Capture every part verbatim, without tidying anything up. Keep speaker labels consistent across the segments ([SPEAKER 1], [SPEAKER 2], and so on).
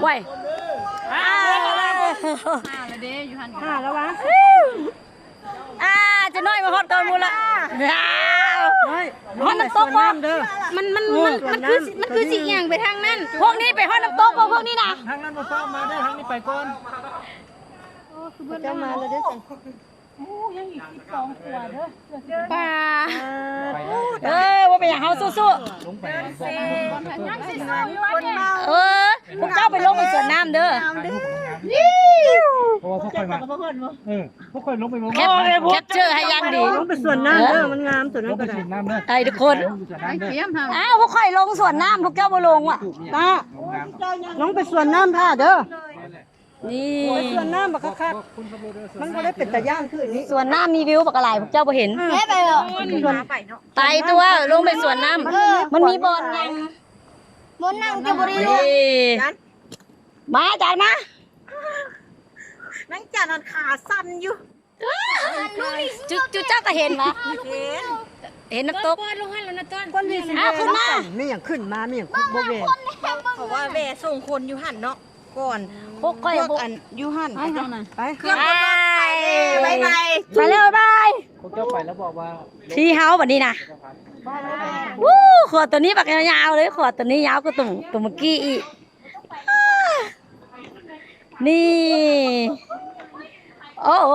[SPEAKER 1] ว้ย
[SPEAKER 2] ห้า
[SPEAKER 3] แล้วเด้อยู่หัน
[SPEAKER 2] ห้าแล้ววะ
[SPEAKER 1] อ่าจะน้อยมาฮอดก่อนมูละ
[SPEAKER 2] น้อย
[SPEAKER 1] ฮอดน้ำตกบ่
[SPEAKER 2] เด้อ
[SPEAKER 3] มันมันมันมันคือมันคือสิเอียงไปทางนั้น
[SPEAKER 1] พวกนี้ไปฮอดน้ำตกบ่พวกนี้นะ
[SPEAKER 4] ทางนั้นมาฟ้ามาได้ทางนี้ไปก่อน
[SPEAKER 2] เจ้ามาแล้วเด้อ
[SPEAKER 1] ป่าเอ้ยว่าเป็นอย่างเฮาสู้
[SPEAKER 4] ลงไป
[SPEAKER 1] ๆเออพวกเจ้าไปลงไปสวนน้ำเด้อ
[SPEAKER 4] เพราะว่าพวกคอยมาเออพวกคอยลงไปมอง
[SPEAKER 1] แคปแคปเจอร์ให้ยังดี
[SPEAKER 2] ลงไปส่วนน้ำเด้อมันงามส่วน
[SPEAKER 4] ล
[SPEAKER 2] นั้
[SPEAKER 4] ง
[SPEAKER 2] น
[SPEAKER 4] ไป
[SPEAKER 2] ก็ได้
[SPEAKER 4] ฉีดน้ำเด้อ
[SPEAKER 1] ไอ้ทุกคน
[SPEAKER 3] ไอ้เขียมทำ
[SPEAKER 1] อ้าวพวกข่อยลงสวนน้ำพวกเจ้าบ่ลงว่ะ
[SPEAKER 2] ตาลงไปส่วนน้ำท่าเด้อ
[SPEAKER 1] นี่
[SPEAKER 2] ไปส่วนน้ำบักคักๆมันก็ได้เป็นตะย่างคืออันนี้
[SPEAKER 1] สวนน้ำมีวิวปากกระไหลพวกเจ้าบ่เห็น
[SPEAKER 3] แค่ไปหรอ
[SPEAKER 1] ไตตัวลงไปสวนน้ำมันมีบอลยัง
[SPEAKER 3] บนนั่งจะบริ
[SPEAKER 1] นี่มาจานมา
[SPEAKER 2] นั่งจานอนขาสั่นอยู่
[SPEAKER 1] จุจุเจ้าก็เห็นปะ
[SPEAKER 2] เห็น
[SPEAKER 1] เห็นน้ำตก
[SPEAKER 3] ลงให้แล้วนะต้น
[SPEAKER 2] ก้นวีสิ
[SPEAKER 1] อ้าวขึ้นมา
[SPEAKER 2] มีอย่างขึ้นมามีอย่างโบเวเพราะว่าแว่ส่งคนอยู่หันเนาะก่อน
[SPEAKER 1] พวกข่อย
[SPEAKER 2] พวก
[SPEAKER 1] บุก
[SPEAKER 2] อันอยู่หันไปจ้ะไป
[SPEAKER 1] ไป
[SPEAKER 2] ไปไป
[SPEAKER 1] ไปเร็วบาย
[SPEAKER 4] พวกเจ้าไปแล้วบอกว่า
[SPEAKER 1] ที่เฮาแบบนี้นะวู้ขวดตัวนี้ปากยาวๆเลยขวดตัวนี้ยาวก็ตุ่มตุ่มเมื่อกี้อีกนี่โอ้โห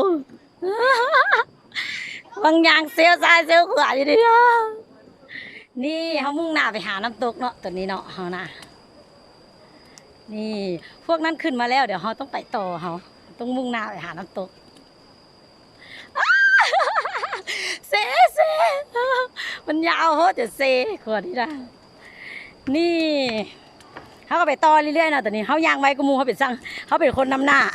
[SPEAKER 1] บางอย่างเซลล์ซ้ายเซลล์ขวาอยู่ดีนะนี่เขามุ่งหน้าไปหาน้ำตกเนาะตัวนี้เนาะเขานะนี่พวกนั้นขึ้นมาแล้วเดี๋ยวเขาต้องไปต่อเขาต้องมุ่งหน้าไปหาน้ำตกเซเซมันยาวโหจะเซขวดนี้นะนี่เขาก็ไปต่อเรื่อยๆนะแต่นี้เขายางไว้กูมูเขาเป็นสั่งเขาเป็นคนนำหน้า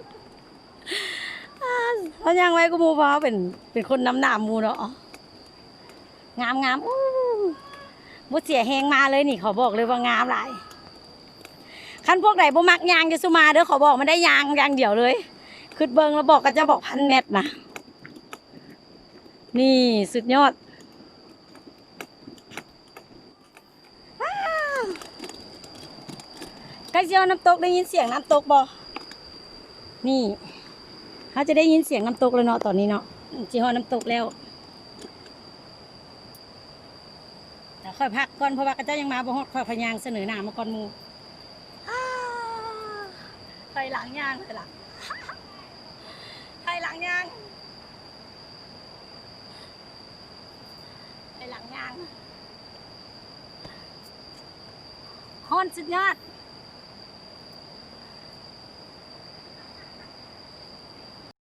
[SPEAKER 1] เขายางไว้กูมูเพราะเขาเป็นเป็นคนนำหน้ามูเนาะงามงามอู้บุเสียแหงมาเลยนี่เขาบอกเลยว่างามหลายคันพวกไหนบ่มักยางจะสุมาเด้อขอบอกมันได้ยางยางเดียวเลยขึ้นเบิงแล้วบอกก็จะบอกพันเม็ดนะนี่สุดยอดใกล้เจียวน้ำตกได้ยินเสียงน้ำตกบ่นี่เขาจะได้ยินเสียงน้ำตกเลยเนาะตอนนี้เนาะจีฮอน้ำตกแล้วแต่ค่อยพักก่อนเพราะว่าก็จะยังมาบ่ฮอดค่อยพยางเสนอหน้ามาก่อนหมู่ไทยหลังยางไทยหลังไทยหลังยางไทยหลังยางฮอนสุดยอด